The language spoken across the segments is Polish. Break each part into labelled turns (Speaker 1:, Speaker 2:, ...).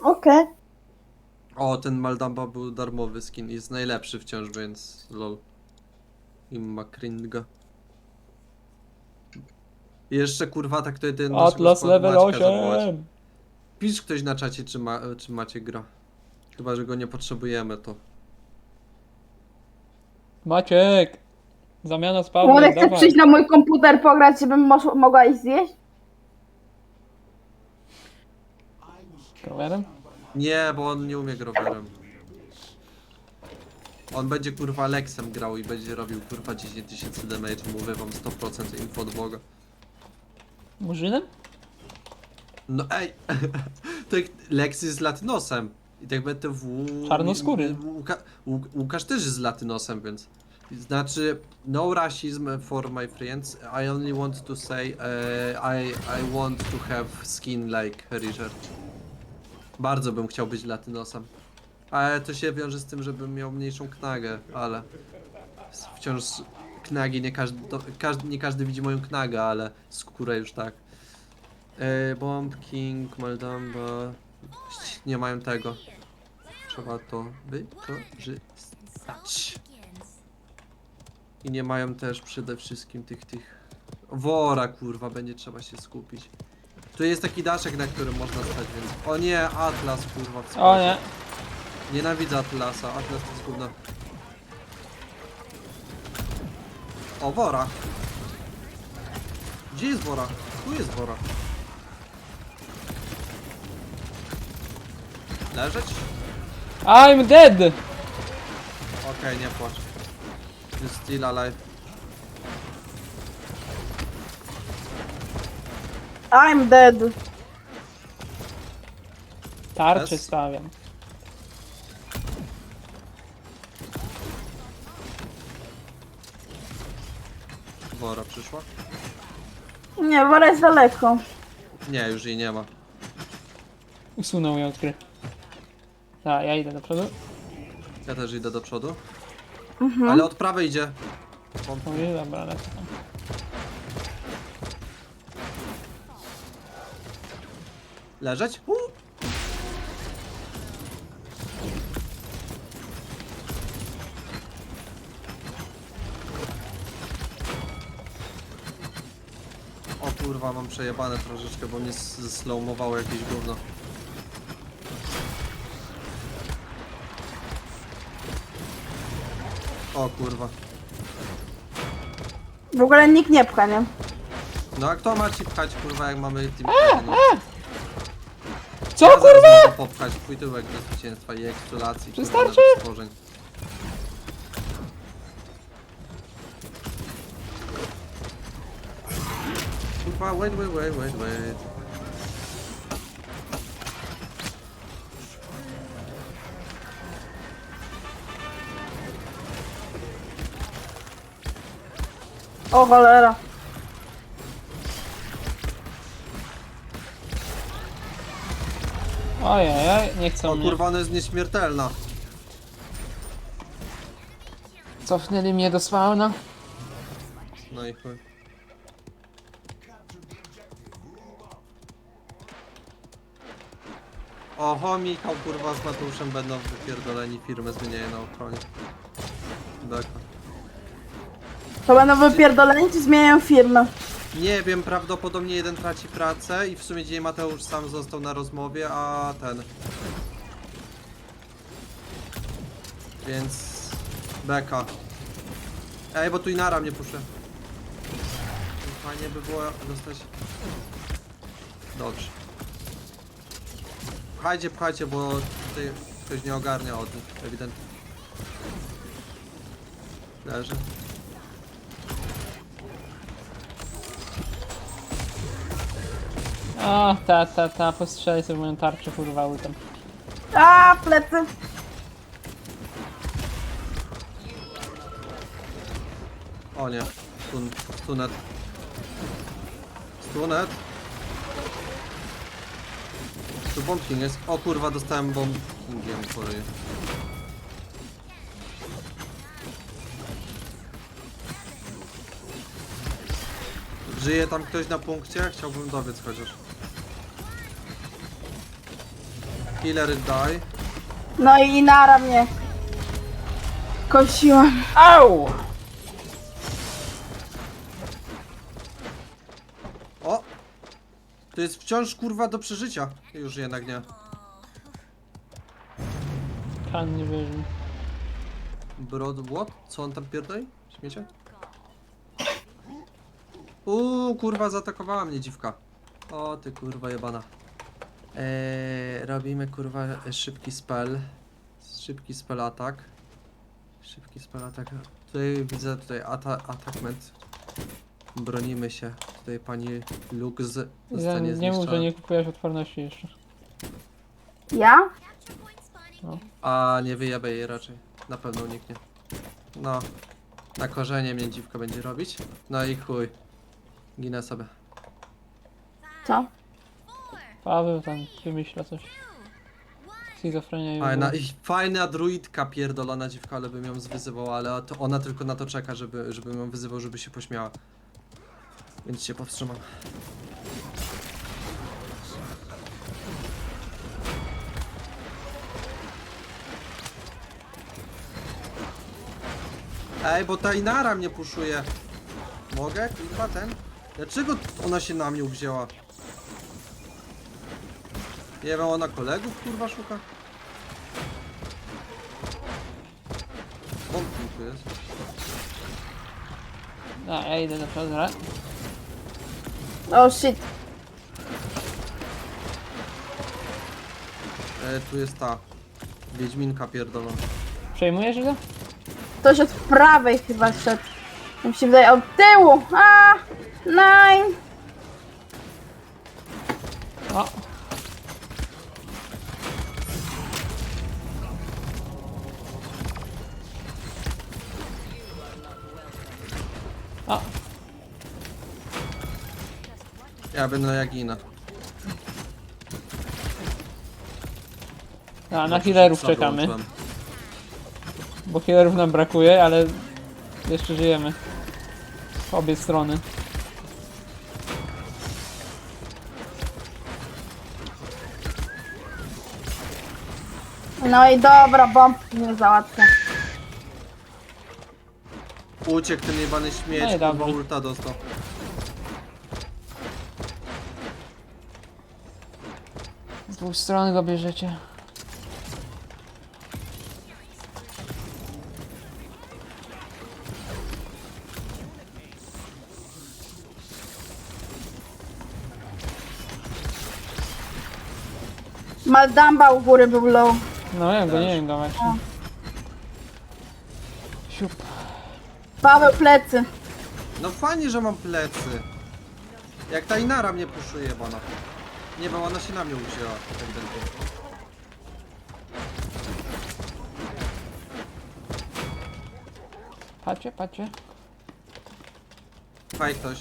Speaker 1: Okej.
Speaker 2: O, ten Maldamba był darmowy skin. Jest najlepszy wciąż, więc lol. Imma cringa. I jeszcze kurwa tak to jeden naszego
Speaker 3: Atlas
Speaker 2: składu
Speaker 3: level
Speaker 2: Maćka zawołać.
Speaker 3: 8.
Speaker 2: Pisz ktoś na czacie, czy macie gra. Chyba, że go nie potrzebujemy, to.
Speaker 3: Maciek. Zamiana z
Speaker 1: Może
Speaker 3: Pawłem,
Speaker 1: chcesz
Speaker 3: dawaj.
Speaker 1: przyjść na mój komputer pograć, żebym mogła iść zjeść?
Speaker 3: Rowerem?
Speaker 2: Nie, bo on nie umie growerem. On będzie kurwa Lexem grał i będzie robił kurwa 10 000 damage, mówię wam 100% info od Boga.
Speaker 3: Murzynem?
Speaker 2: No ej, tak Lex jest z latynosem. I tak BTW...
Speaker 3: Czarnoskóry.
Speaker 2: Łukasz też jest z latynosem, więc... Znaczy, no racism for my friends. I only want to say, I want to have skin like Richard. Bardzo bym chciał być latynosem. Ale to się wiąże z tym, żebym miał mniejszą knagę, ale... Wciąż knagi, nie każdy widzi moją knagę, ale skórę już tak. Bomb King, Maldamba. Nie mają tego. Trzeba to wykorzystać. I nie mają też przede wszystkim tych... Wora kurwa, będzie trzeba się skupić. Tu jest taki daszek, na którym można stać, więc... O nie, Atlas kurwa w
Speaker 3: O nie.
Speaker 2: Nienawidzę Atlasa, Atlas to jest gówno. O, Wora! Gdzie jest Wora? Tu jest Wora. Leżeć?
Speaker 3: I'm dead!
Speaker 2: Okej, nie płacz. You're still alive.
Speaker 1: I'm dead.
Speaker 3: Tarczę
Speaker 2: Yes.
Speaker 3: stawiam.
Speaker 2: Wora przyszła?
Speaker 1: Nie, Wora jest daleko.
Speaker 2: Nie, już jej nie ma.
Speaker 3: Usunął ją od gry. Tak, ja idę do przodu.
Speaker 2: Ja też idę do przodu. Ale od prawej idzie.
Speaker 3: Mówię, dobra, lecę tam.
Speaker 2: Leżeć? O kurwa, mam przejebane troszeczkę, bo mnie slowmowało jakieś gówno. O kurwa.
Speaker 1: W ogóle nikt nie pcha, nie?
Speaker 2: No a kto ma ci pchać kurwa, jak mamy team? No.
Speaker 3: Co
Speaker 2: Ja zaraz
Speaker 3: kurwa?
Speaker 2: mogę popchać twój tyłek do zwycięstwa i eksploracji kurwa
Speaker 3: Wystarczy?
Speaker 2: nawet stworzeń. Kurwa, wait.
Speaker 1: O cholera.
Speaker 3: Ojej, nie chcą
Speaker 2: O
Speaker 3: mnie.
Speaker 2: kurwa, ona jest nieśmiertelna.
Speaker 3: Cofnęli mnie do spawna.
Speaker 2: No i chuj. Oho, Michał kurwa z Mateuszem będą wypierdoleni, firmę zmieniają na ochronie. Beka.
Speaker 1: To będą wypierdoleni, czy zmieniają firmę?
Speaker 2: Nie wiem, prawdopodobnie jeden traci pracę i w sumie dzisiaj Mateusz sam został na rozmowie, a ten... Więc... Beka. Ej, bo tu Inara mnie puszczę. Fajnie by było dostać... Dobrze. Pchajcie, bo tutaj ktoś nie ogarnia od nich, ewidentnie. Leży.
Speaker 3: A, ta, postrzelaj sobie moją tarczę, kurwa, ultem.
Speaker 1: A, plecy.
Speaker 2: O nie, stunet. Stunet. Tu Bomb King jest. O kurwa, dostałem Bomb Kingiem po ryju. Żyje tam ktoś na punkcie? Chciałbym dowiedz chociaż. Killer die.
Speaker 1: No i Inara mnie kosiła.
Speaker 3: Au!
Speaker 2: O! To jest wciąż kurwa do przeżycia. Już jednak nie.
Speaker 3: Kan nie wierzy.
Speaker 2: Broad what? Co on tam pierdoli? Śmiecie? Kurwa zaatakowała mnie dziwka. O ty kurwa jebana. Robimy kurwa szybki spell. Szybki spell atak. Szybki spell atak. Tutaj widzę atakment. Bronimy się. Tutaj pani Lux zostanie
Speaker 3: Nie mów, że
Speaker 2: zniszczona.
Speaker 3: nie kupujesz odporności jeszcze.
Speaker 1: Ja?
Speaker 2: A nie wyjebę jej raczej. Na pewno uniknie. No. Na korzenie mnie dziwka będzie robić. No i chuj. Ginę sobie.
Speaker 1: Co?
Speaker 3: Paweł tam wymyśla coś. Schizofrenia i
Speaker 2: Fajna, i fajna druidka pierdolona dziwka, ale bym ją zwyzywał, ale to ona tylko na to czeka, żebym ją wyzywał, żeby się pośmiała. Więc się powstrzymam. Ej, bo ta Inara mnie puszuje. Mogę? Kurwa ten? Dlaczego ona się na mnie uwzięła? Nie wiem, ona kolegów kurwa szuka? Bombki tu jest.
Speaker 3: A, ja idę do Fedora.
Speaker 1: Oh shit.
Speaker 2: Tu jest ta Wiedźminka pierdolona.
Speaker 3: Przejmujesz go?
Speaker 1: Ktoś od prawej chyba szedł. Mi się wydaje od tyłu. A, nine.
Speaker 3: O! O!
Speaker 2: Ja będę jak Ina.
Speaker 3: A, na healerów czekamy. Bo healerów nam brakuje, ale jeszcze żyjemy. W obie strony.
Speaker 1: No i dobra, bombki mnie załatwia.
Speaker 2: Uciekł ten jebany śmieć,
Speaker 3: No i
Speaker 2: kurwa
Speaker 3: dobrze.
Speaker 2: ulta dostał.
Speaker 3: Z dwóch stron go bierzecie.
Speaker 1: Maldamba u góry był low.
Speaker 3: No ja go
Speaker 2: Też.
Speaker 3: nie wiem go właśnie. Siup.
Speaker 1: Paweł plecy.
Speaker 2: No fajnie, że mam plecy. Jak ta Inara mnie puszuje jebana. Nie, bo ona się na mnie uwzięła. Ewidentnie.
Speaker 3: Patrzcie, patrzcie.
Speaker 2: Faj ktoś.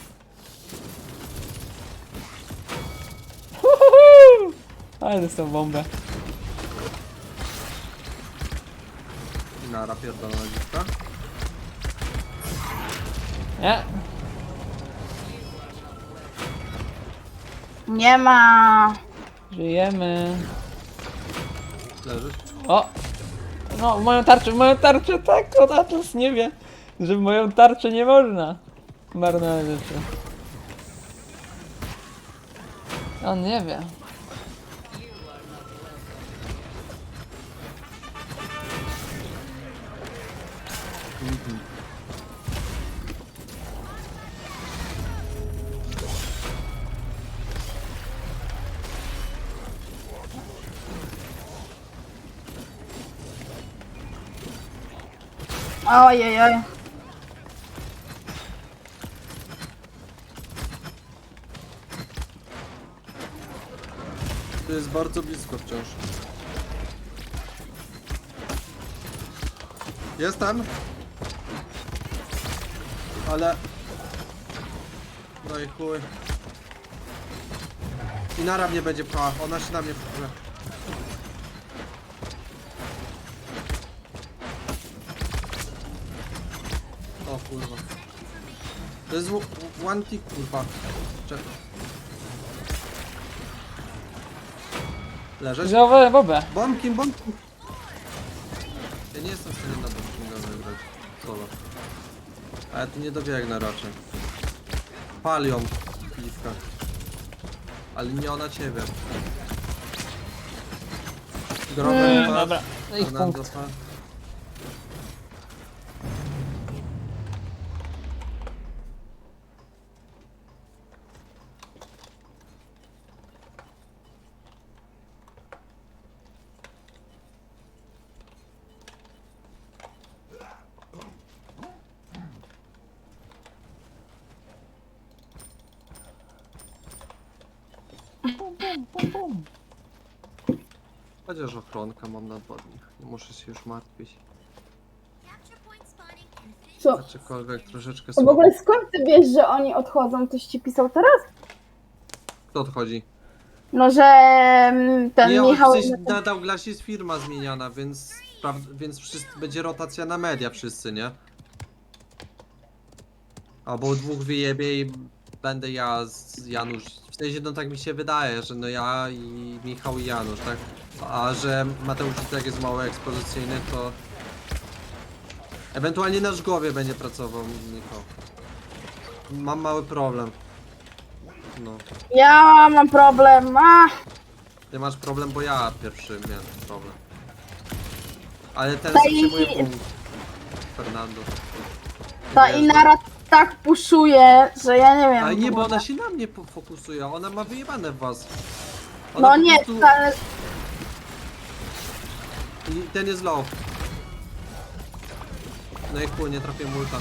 Speaker 3: Uhuhu! Ale dostał bombę.
Speaker 2: Inara pierdolona dziwka.
Speaker 3: Nie.
Speaker 1: Nie ma.
Speaker 3: Żyjemy.
Speaker 2: Leżysz?
Speaker 3: O! No, moją tarczę, tak, on Atlas nie wie, że w moją tarczę nie można. Marne rzeczy. On nie wie.
Speaker 1: Ojej, oj.
Speaker 2: To jest bardzo blisko wciąż. Jestem. Ale... No i chuj. Inara mnie będzie pchała, ona się na mnie wpływa. O kurwa. To jest one tick kurwa. Czekaj. Leżeć?
Speaker 3: Znowu bobę.
Speaker 2: Bombkin, bombkin! Ja nie jestem w stanie na bombkinga wygrać. Solo. Ale tu nie dobiegnę raczej. Palią piwka. Ale nie ona ciebie. Grobem
Speaker 3: Dobra, no i
Speaker 2: Fernando
Speaker 3: punkt.
Speaker 2: padł. Chociaż ochronkę mam na 2 dni. Nie muszę się już martwić.
Speaker 1: Co?
Speaker 2: Aczkolwiek troszeczkę
Speaker 1: W
Speaker 2: słabo.
Speaker 1: ogóle skąd ty wiesz, że oni odchodzą? Ktoś ci pisał teraz?
Speaker 2: Kto odchodzi?
Speaker 1: No, że ten
Speaker 2: Nie,
Speaker 1: Michał...
Speaker 2: przecież na Douglas jest firma zmieniana, więc wszyscy, będzie rotacja na media wszyscy, nie? Albo 2 wyjebie i będę ja z Janusz. W sensie, no tak mi się wydaje, że no ja i Michał i Janusz, tak? A że Mateusz i tak jest mało ekspozycyjny, to... Ewentualnie na Żgowie będzie pracował Michał. Mam mały problem. No.
Speaker 1: Ja mam problem.
Speaker 2: Ty masz problem, bo ja pierwszy miałem problem. Ale ten
Speaker 1: Ta
Speaker 2: przyjmuje
Speaker 1: i-
Speaker 2: punkt. Fernando.
Speaker 1: Ta
Speaker 2: Wiesz,
Speaker 1: Inara tak puszuje, że ja nie wiem.
Speaker 2: Ale nie,
Speaker 1: w
Speaker 2: bo
Speaker 1: ogóle.
Speaker 2: ona się na mnie fokusuje, ona ma wyjebane w was.
Speaker 1: No
Speaker 2: po
Speaker 1: nie,
Speaker 2: prostu-
Speaker 1: wcale...
Speaker 2: I ten jest low. No i chuj, nie trafię multa.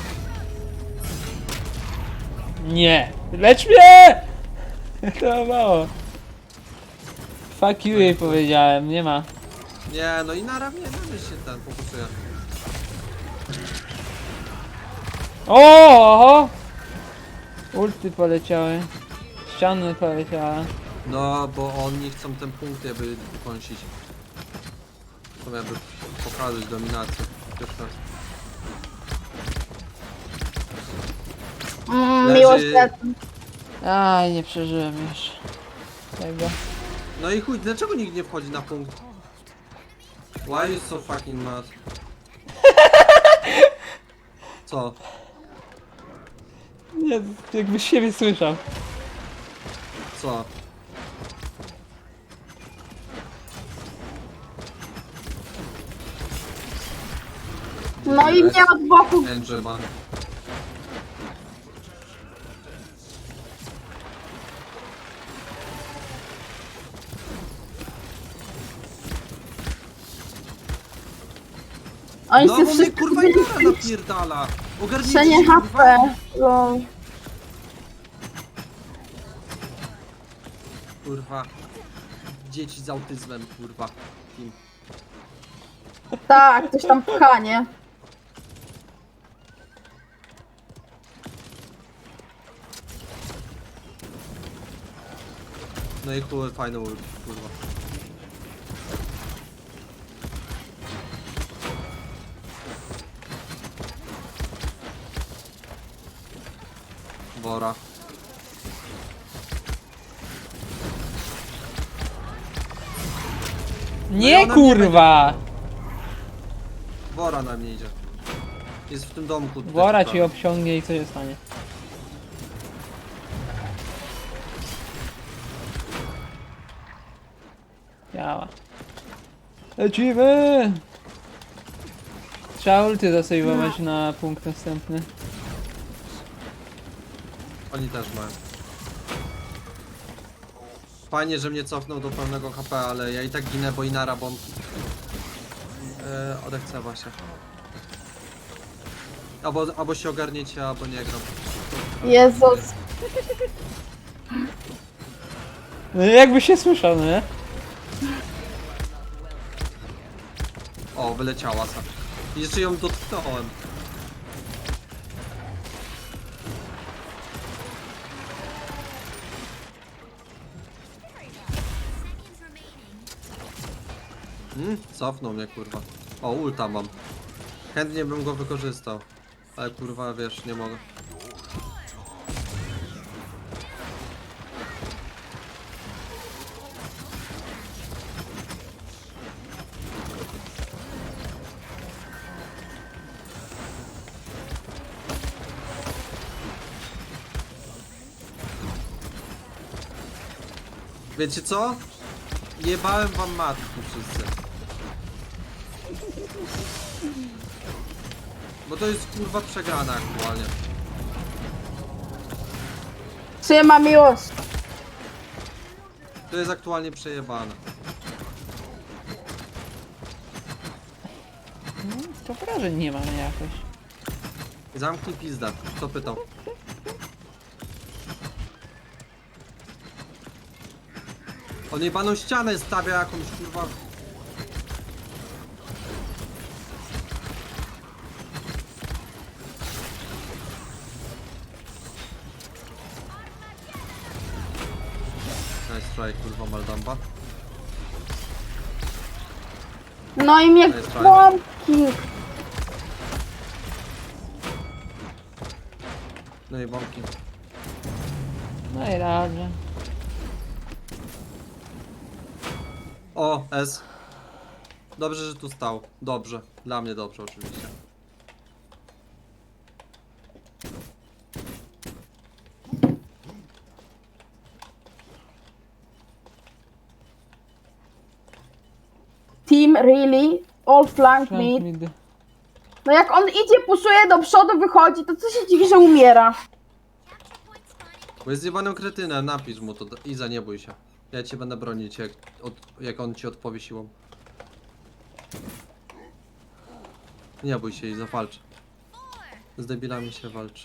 Speaker 3: Nie! Lecz mnie! To mało. Fuck you jej powiedziałem, nie ma.
Speaker 2: Nie, no i na mnie się ten fokusuje.
Speaker 3: Oho! Ulty poleciały. Ściany poleciały.
Speaker 2: No, bo oni chcą ten punkt jakby kąsić. Chcą jakby pokazać dominację. Pierwszy raz. Leży-
Speaker 1: Miłość lecą.
Speaker 3: Aj, nie przeżyłem już tego.
Speaker 2: No i chuj, dlaczego nikt nie wchodzi na punkt? Why you so fucking mad? Co?
Speaker 3: Nie, jakby siebie słyszał.
Speaker 2: Co?
Speaker 1: No i mnie od boku.
Speaker 2: Angel man.
Speaker 1: Oni
Speaker 2: No
Speaker 1: się
Speaker 2: bo mnie
Speaker 1: wszyscy
Speaker 2: kurwa Inara napierdala! Ogarnijcie
Speaker 1: Przenie
Speaker 2: się, kurwa.
Speaker 1: HP. Lol.
Speaker 2: Kurwa. Dzieci z autyzmem, kurwa. Team.
Speaker 1: Tak, ktoś tam pcha, nie?
Speaker 2: No i chuj, fajny ult, kurwa. Wora.
Speaker 3: Nie
Speaker 2: ona mnie
Speaker 3: kurwa!
Speaker 2: Wora na mnie idzie. Jest w tym domku. tutaj,
Speaker 3: Wora
Speaker 2: kurwa.
Speaker 3: ci obciągnie i co się stanie? Działa. Lecimy! Trzeba ulty zasejwować na punkt następny.
Speaker 2: Oni też mają. Fajnie, że mnie cofnął do pełnego HP, ale ja i tak ginę, bo Inara bomb. Odechcewa się. Albo się ogarniecie, albo nie gram.
Speaker 1: Jezus.
Speaker 3: No jakby się słyszał, no nie?
Speaker 2: O, wyleciała sa. I jeszcze ją dotknąłem. Cofnął mnie, kurwa. O, ulta mam. Chętnie bym go wykorzystał. Ale kurwa, wiesz, nie mogę. Wiecie co? Jebałem wam matki wszyscy. Bo to jest kurwa przegrana aktualnie.
Speaker 1: Trzyma miłość.
Speaker 2: To jest aktualnie przejebane.
Speaker 3: To wrażeń nie mamy jakoś.
Speaker 2: Zamknij pizda. Kto pytał? On jebaną ścianę stawia jakąś kurwa. Nice try, kurwa Maldamba.
Speaker 1: No i mnie
Speaker 2: To jest fajne.
Speaker 1: kłamki.
Speaker 2: No i bombki.
Speaker 3: No i dobrze.
Speaker 2: O, S. Dobrze, że tu stał. Dobrze. Dla mnie dobrze oczywiście.
Speaker 1: Team really? All flank
Speaker 3: Flank
Speaker 1: mid.
Speaker 3: mid.
Speaker 1: No jak on idzie, puszuje do przodu, wychodzi, to co się dziwi, że umiera?
Speaker 2: Bo jest jebanym kretynem, napisz mu to. Iza, nie bój się. Ja cię będę bronić, jak on ci odpowie siłą. Nie bój się, Iza, walcz. Z debilami się walczy.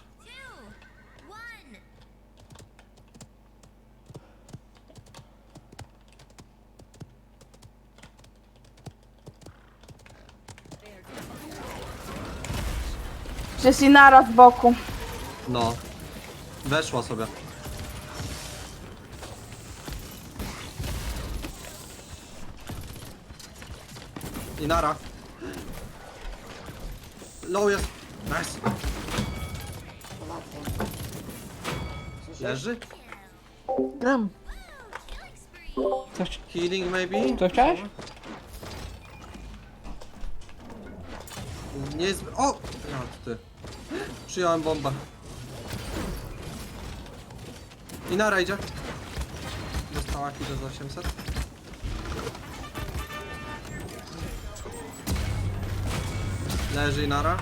Speaker 1: Przecież Inara z boku.
Speaker 2: No. Weszła sobie. I nara. Low jest. Nice. Leży?
Speaker 3: Gram. Coś,
Speaker 2: Healing maybe?
Speaker 3: coś chciałeś?
Speaker 2: Nie jest... O! Ja, ty. Przyjąłem bombę. I nara idzie. Dostała chwilę za 800. Leży i nara.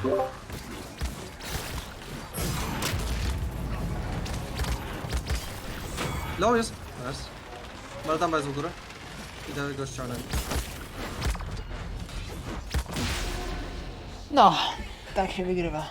Speaker 2: Low jest. Jest. Maldamba jest u góry. Idę go ściągnąć.
Speaker 3: No, tak się wygrywa.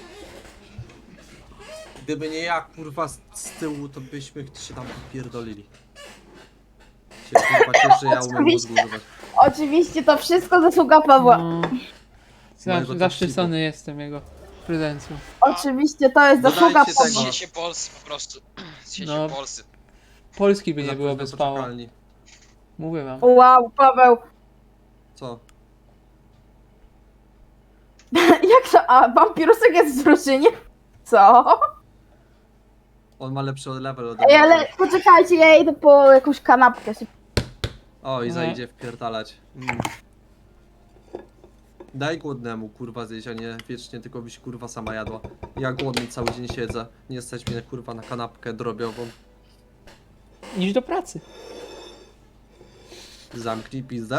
Speaker 2: Gdyby nie ja, kurwa, z tyłu, to byśmy się tam popierdolili. Się kurwa cieszę, że ja umiem mózgu używać.
Speaker 1: Oczywiście to wszystko zasługa Pawła.
Speaker 3: No.
Speaker 2: Mojego
Speaker 3: Zaszczycony jestem jego prezencją.
Speaker 1: Oczywiście to jest
Speaker 2: Dodajcie
Speaker 1: zasługa
Speaker 2: tego.
Speaker 1: Pawła.
Speaker 4: Sieci Polscy po prostu. Sieci
Speaker 3: No.
Speaker 4: Polscy.
Speaker 3: Polski by nie było
Speaker 2: Zapewne
Speaker 3: bez Pała.
Speaker 2: poczekalni.
Speaker 3: Mówię wam.
Speaker 1: Wow, Paweł.
Speaker 2: Co?
Speaker 1: Jak to? A, wampirusek jest w drużynie? Co?
Speaker 2: On ma lepszy level ode
Speaker 1: Ej,
Speaker 2: mnie.
Speaker 1: ale poczekajcie, ja idę po jakąś kanapkę.
Speaker 2: O, i
Speaker 3: Nie.
Speaker 2: zajdzie wpierdalać. Daj głodnemu, kurwa, zjeść, a nie wiecznie tylko byś, kurwa, sama jadła. Ja głodny cały dzień siedzę. Nie stać mnie, kurwa, na kanapkę drobiową.
Speaker 3: Idź do pracy.
Speaker 2: Zamknij pizdę.